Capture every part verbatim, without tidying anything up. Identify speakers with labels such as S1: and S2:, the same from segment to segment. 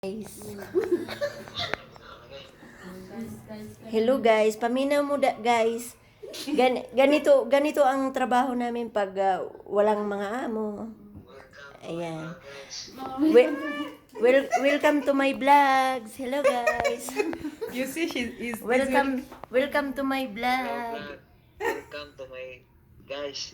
S1: Guys. Hello guys, paminaw mo da, guys. Gan, ganito ganito ang trabaho namin pag uh, walang mga amo. Ayan. Well, well, welcome to my vlogs. Hello guys.
S2: You see, she is.
S1: Welcome welcome to my vlog.
S3: Welcome to my guys.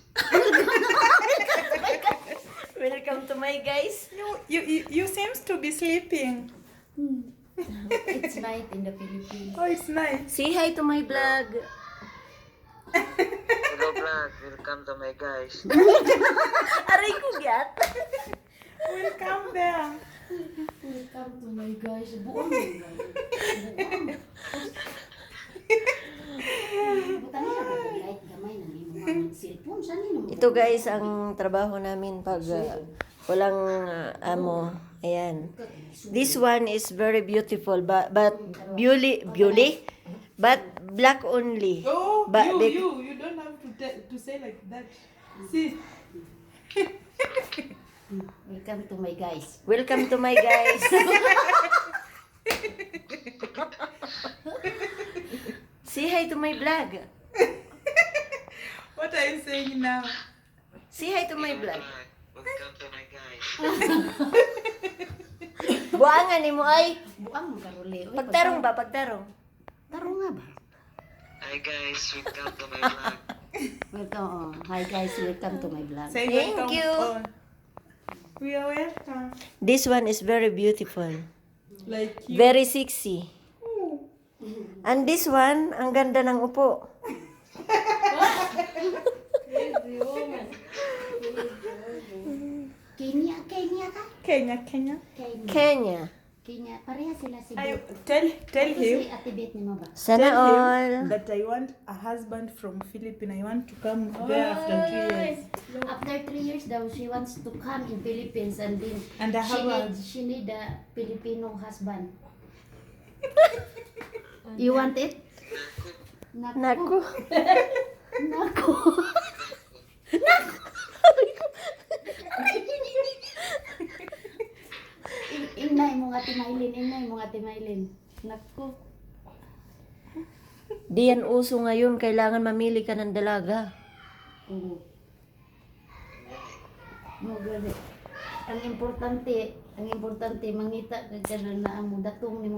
S1: Welcome to my guys.
S2: You, you, you, you seems to be sleeping.
S4: It's night in the Philippines.
S2: Oh, it's nice.
S1: Say hi to my vlog.
S3: Hello vlog. Welcome to my guys.
S1: Aray ko gyat.
S2: Welcome there.
S4: Welcome to my guys. Buong mo guys. Buong. Buta niya ba ito light gamay na may mga cellphone? Saan yun?
S1: Ito guys ang trabaho namin pag uh, walang uh, amo. Ayan. This one is very beautiful but but beauty beauty but black only.
S2: Oh,
S1: But
S2: you,
S1: they-
S2: you, you don't have to te- to say like that. See,
S4: Welcome to my guys.
S1: Welcome to my guys. Say hi to my vlog.
S2: what are you saying now?
S1: Say hi to my vlog.
S3: Welcome to my guys.
S1: Buangan ni mo ay.
S4: Buang mo karuli. Uy,
S1: Pagtarong ba? Pagtarong.
S4: Tarong nga ba?
S3: Hi guys. Welcome to my vlog.
S4: Welcome. Oh. Hi guys, welcome to my vlog.
S2: Say
S1: Thank
S2: welcome.
S1: you.
S2: On. We are welcome.
S1: This one is very beautiful.
S2: Like you.
S1: Very sexy. And this one, ang ganda ng upo.
S4: Kenya, Kenya ka?
S2: Kenya, Kenya.
S4: Kenya.
S1: Kenya.
S4: Kenya. Pareha sila si
S2: I
S4: Bet.
S2: tell tell
S4: Ito
S2: him.
S4: si Ate Bet ni mo ba?
S1: Sana
S2: Tell
S1: all.
S2: him that I want a husband from Philippines. I want to come there after two years.
S4: After three years daw, she wants to come in Philippines and then
S2: And I
S4: she
S2: have a
S4: need, she need a Filipino husband. You want it?
S1: Naku.
S4: Naku. In- Inay mo nga timailin, inay mo nga timailin. Naku.
S1: Di yan uso ngayon. Kailangan mamili ka ng dalaga.
S4: Oo. Mo gali. Ang importante, ang importante mangita ka na ang datong ni